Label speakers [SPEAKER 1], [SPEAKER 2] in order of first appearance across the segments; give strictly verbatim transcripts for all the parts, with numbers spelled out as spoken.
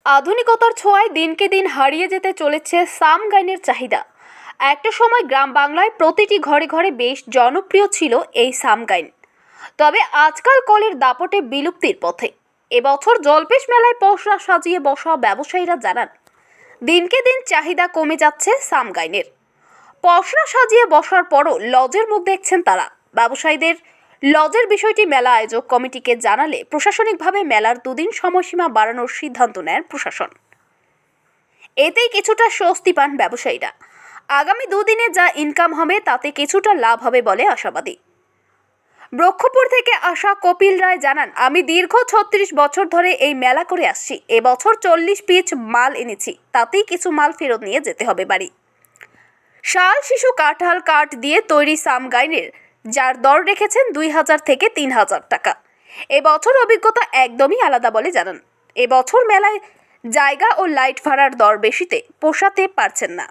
[SPEAKER 1] আধুনিকতার ছোঁয়ায় দিনকে দিন হারিয়ে যেতে চলেছে সাম গাইনের চাহিদা। একটা সময় গ্রাম বাংলায় প্রতিটি ঘরে ঘরে বেশ জনপ্রিয় ছিল এই সাম গাইন, তবে আজকাল কলের দাপটে বিলুপ্তির পথে। এবছর জলপেশ মেলায় পসরা সাজিয়ে বসা ব্যবসায়ীরা জানান, দিনকে দিন চাহিদা কমে যাচ্ছে সাম গাইনের। পসরা সাজিয়ে বসার পরও লজের মুখ দেখছেন তারা। ব্যবসায়ীদের লজের বিষয়টি মেলা আয়োজক কমিটিকে জানালে প্রশাসনিকভাবে মেলার দুদিন সময়সীমা বাড়ানোর সিদ্ধান্ত নেন প্রশাসন। এতেই কিছুটা স্বস্তি পান ব্যবসায়ীরা। আগামী দুদিনে যা ইনকাম হবে তাতে কিছুটা লাভ হবে বলে আশাবাদী। ব্রহ্মপুর থেকে আসা কপিল রায় জানান, আমি দীর্ঘ ছত্রিশ বছর ধরে এই মেলা করে আসছি। এবছর চল্লিশ পিস মাল এনেছি, তাতেই কিছু মাল ফেরত নিয়ে যেতে হবে বাড়ি। শাল, শিশু, কাঁঠাল কাঠ দিয়ে তৈরি সাম গাইনের যার দর রেখেছেন দুই হাজার থেকে তিন হাজার টাকা। এবছর অভিজ্ঞতা একদমই আলাদা বলে জানান। এবছর মেলায় জায়গা ও লাইট ভাড়ার দর বেশিতে পোষাতে পারছেন না।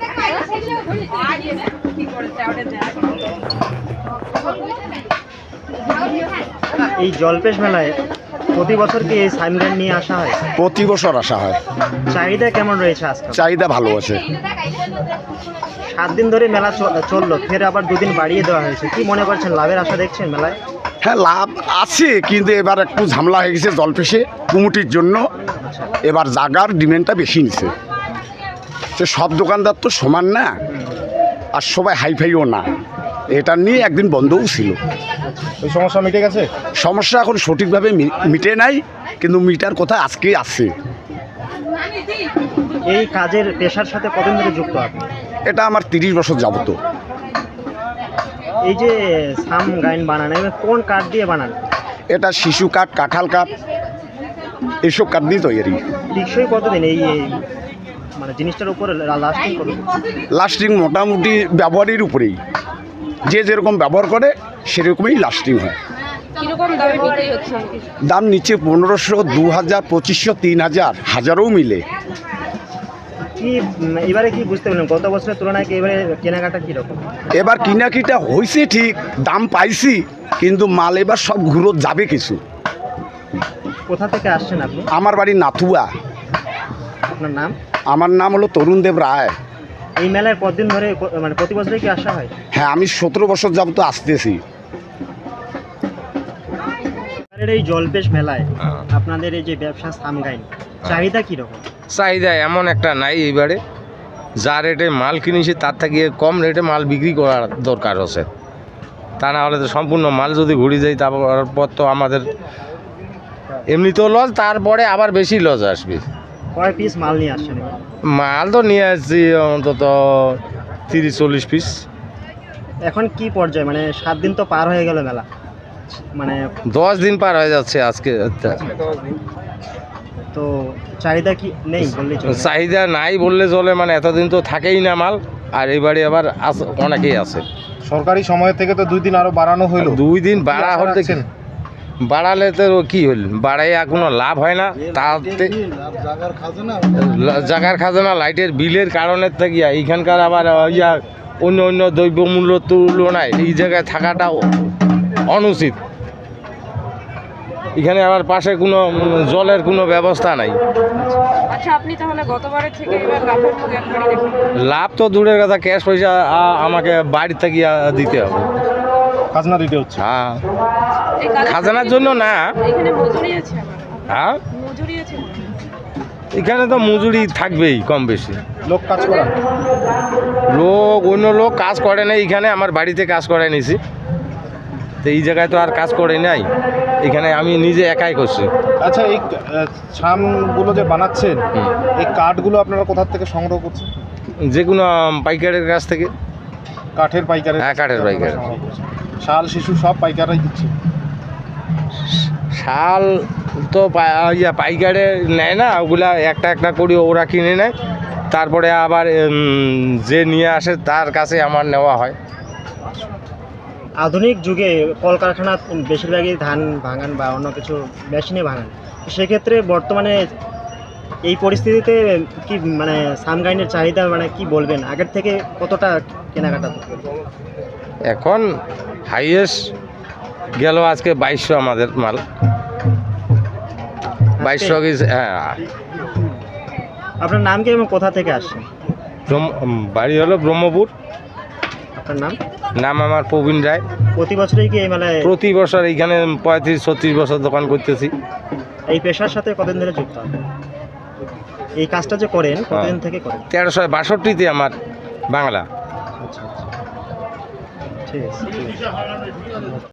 [SPEAKER 2] এই জলপেশ মেলায় প্রতি বছর কি এই সাম গাইন নিয়ে আসা হয়?
[SPEAKER 3] প্রতি বছর আসা হয়।
[SPEAKER 2] চাহিদা কেমন রয়েছে আজকাল?
[SPEAKER 3] চাহিদা ভালো আছে।
[SPEAKER 2] সাত দিন ধরে মেলা চললো, ফের আবার দুদিন বাড়িয়ে দেওয়া হয়েছে। কি মনে করছেন, লাভের আশা দেখছেন মেলায়?
[SPEAKER 3] হ্যাঁ, লাভ আছে, কিন্তু এবার একটু ঝামেলা হয়ে গেছে জলপেশে কমিটির জন্য। এবার জাগার ডিমান্ডটা বেশি নিছে। সে সব দোকানদার তো সমান না, আর সবাই হাইফাইও না। এটা নিয়ে একদিন বন্ধও ছিল।
[SPEAKER 4] এই সমস্যা মিটে গেছে?
[SPEAKER 3] সমস্যা এখন সঠিকভাবে মিটে নাই, কিন্তু মিটার কথা আজকেই আছে।
[SPEAKER 2] এই কাজের পেশার সাথে কতদিন ধরে যুক্ত আপনি?
[SPEAKER 3] এটা আমার তিরিশ বছর যাবত।
[SPEAKER 2] এই যে সাম গাইন বানান, কোন কাঠ দিয়ে বানান?
[SPEAKER 3] এটা শিশু কাঠ, কাঁঠাল কাঠ, এইসব কাঠ দিয়ে তৈরি।
[SPEAKER 2] টিকসই কতদিন এই মানে জিনিসটার উপরে লাস্টিং করবে?
[SPEAKER 3] লাস্টিং মোটামুটি ব্যবহারের উপরেই, যে যেরকম ব্যবহার করে সেরকমই লাস্টিং হয়। দাম নিচে পনেরোশো, দু হাজার, পঁচিশশো, তিন হাজার, হাজারও মিলে।
[SPEAKER 2] কি এবারে কি বুঝতে পারলেন গত বছরের তুলনায় কি এবারে কেনাকাটা কীরকম?
[SPEAKER 3] এবার কিনাকিটা হয়েছে ঠিক, দাম পাইছি, কিন্তু মাল এবার সব ঘুরো যাবে কিছু।
[SPEAKER 2] কোথা থেকে আসছেন আপনি?
[SPEAKER 3] আমার বাড়ি নাথুয়া।
[SPEAKER 2] আপনার নাম?
[SPEAKER 3] আমার নাম হলো তরুণ দেব রায়।
[SPEAKER 2] এই মেলায় কতদিন ধরে মানে প্রতি বছরে কি আসা হয়?
[SPEAKER 3] হ্যাঁ, আমি সতেরো বছর যাবত আসতেছি।
[SPEAKER 2] এই জলপেশ মেলায় আপনাদের এই যে ব্যবসা সাম গাইন, চাহিদা কীরকম?
[SPEAKER 5] চাহিদা এমন একটা নাই এইবারে। যা রেটে মাল কিনেছি তার থেকে কম রেটে মাল বিক্রি করার দরকার আছে। তা না হলে তো সম্পূর্ণ মাল যদি ঘুরে যায় তারপর তো আমাদের এমনিতেও লস, তারপরে আবার বেশি লস আসবে।
[SPEAKER 2] কয় পিস মাল নিয়ে আসছেন?
[SPEAKER 5] মাল তো নিয়ে আসছি অন্তত তিরিশ চল্লিশ পিস।
[SPEAKER 2] এখন কি পর্যায়ে, মানে সাত দিন তো পার হয়ে গেল মেলা, মানে
[SPEAKER 5] দশ দিন পার হয়ে যাচ্ছে আজকে।
[SPEAKER 2] তো চাহিদা কি নেই বললে চলে?
[SPEAKER 5] চাহিদা নাই বললে চলে, মানে এতদিন তো থাকেই না মাল, আর এবারে আবার অনেকেই আছে।
[SPEAKER 4] সরকারি সময় থেকে তো দুই দিন আরো বাড়ানো হলো।
[SPEAKER 5] দুই দিন বাড়া হতে বাড়ালে তো কি হল, বাড়াই কোনো লাভ হয় না। তাতে জাগার খাজনা, লাইটের বিলের কারণে থাকিয়া এইখানকার আবার ইয়া অন্য অন্য দ্রব্যমূল্য তুলনায় এই জায়গায় থাকাটা অনুচিত। এখানে আবার পাশে কোনো জলের কোনো ব্যবস্থা নাই।
[SPEAKER 6] আচ্ছা, আপনি তাহলে গতবারের থেকে এবার লাভের মুখ একবারই দেখুন।
[SPEAKER 5] লাভ তো দূরের কথা, ক্যাশ পয়সা আমাকে বাড়ি থেকে দিতে হবে,
[SPEAKER 4] খাজনা দিতে হচ্ছে।
[SPEAKER 5] হ্যাঁ, খাজনার জন্য না।
[SPEAKER 6] এখানে মজুরি আছে আবার?
[SPEAKER 5] হ্যাঁ,
[SPEAKER 6] মজুরি আছে।
[SPEAKER 5] এখানে তো মজুরি থাকবেই কম বেশি।
[SPEAKER 4] লোক কাজ করা?
[SPEAKER 5] লোক অন্য লোক কাজ করে না, এখানে আমার বাড়িতে কাজ করে নিছি। তো এই জায়গায় তো আর কাজ করে নাই, এখানে আমি নিজে একাই করছি।
[SPEAKER 4] আচ্ছা, এই ছামগুলো যে বানাচ্ছেন, এই কাঠগুলো আপনারা কোথা থেকে সংগ্রহ করছেন?
[SPEAKER 5] যে কোনো পাইকারের কাছ থেকে।
[SPEAKER 4] কাঠের পাইকারের?
[SPEAKER 5] হ্যাঁ, কাঠের পাইকার।
[SPEAKER 4] শাল, শিশু সব পাইকাররাই দিচ্ছে?
[SPEAKER 5] শাল তো ইয়া পাইকারে নেয় না, ওগুলা একটা একটা করে ওরা কিনে নেয়, তারপরে আবার যে নিয়ে আসে তার কাছে আমার নেওয়া হয়।
[SPEAKER 2] আধুনিক যুগে কলকারখানা বেশিরভাগই ধান ভাঙান বা অন্য কিছু মেশিনে ভাঙান, সেক্ষেত্রে বর্তমানে এই পরিস্থিতিতে কি মানে সাম গাইনের চাহিদা মানে কি বলবেন, আগের থেকে কতটা কেনাকাটা?
[SPEAKER 5] এখন হাইয়েস্ট গেল আজকে বাইশশো আমাদের মাল, বাইশশো। হ্যাঁ,
[SPEAKER 2] আপনার নাম কি এবং কোথা থেকে আসছেন?
[SPEAKER 5] ব্রহ্ম- উম, বাড়ি হলো ব্রহ্মপুর।
[SPEAKER 2] আপনার নাম?
[SPEAKER 5] নাম আমার প্রবীণ রায়।
[SPEAKER 2] প্রতি বছরই কি এই মেলায়
[SPEAKER 5] প্রতি বছর এইখানে পঁয়ত্রিশ ছত্রিশ বছর দোকান করতেছি।
[SPEAKER 2] এই পেশার সাথে কতদিন ধরে যুক্ত আছেন? এই কাজটা যে করেন কতদিন থেকে করেন?
[SPEAKER 5] তেরোশো বাষট্টিতে আমার বাংলা।
[SPEAKER 2] আচ্ছা আচ্ছা ঠিক আছে ঠিক আছে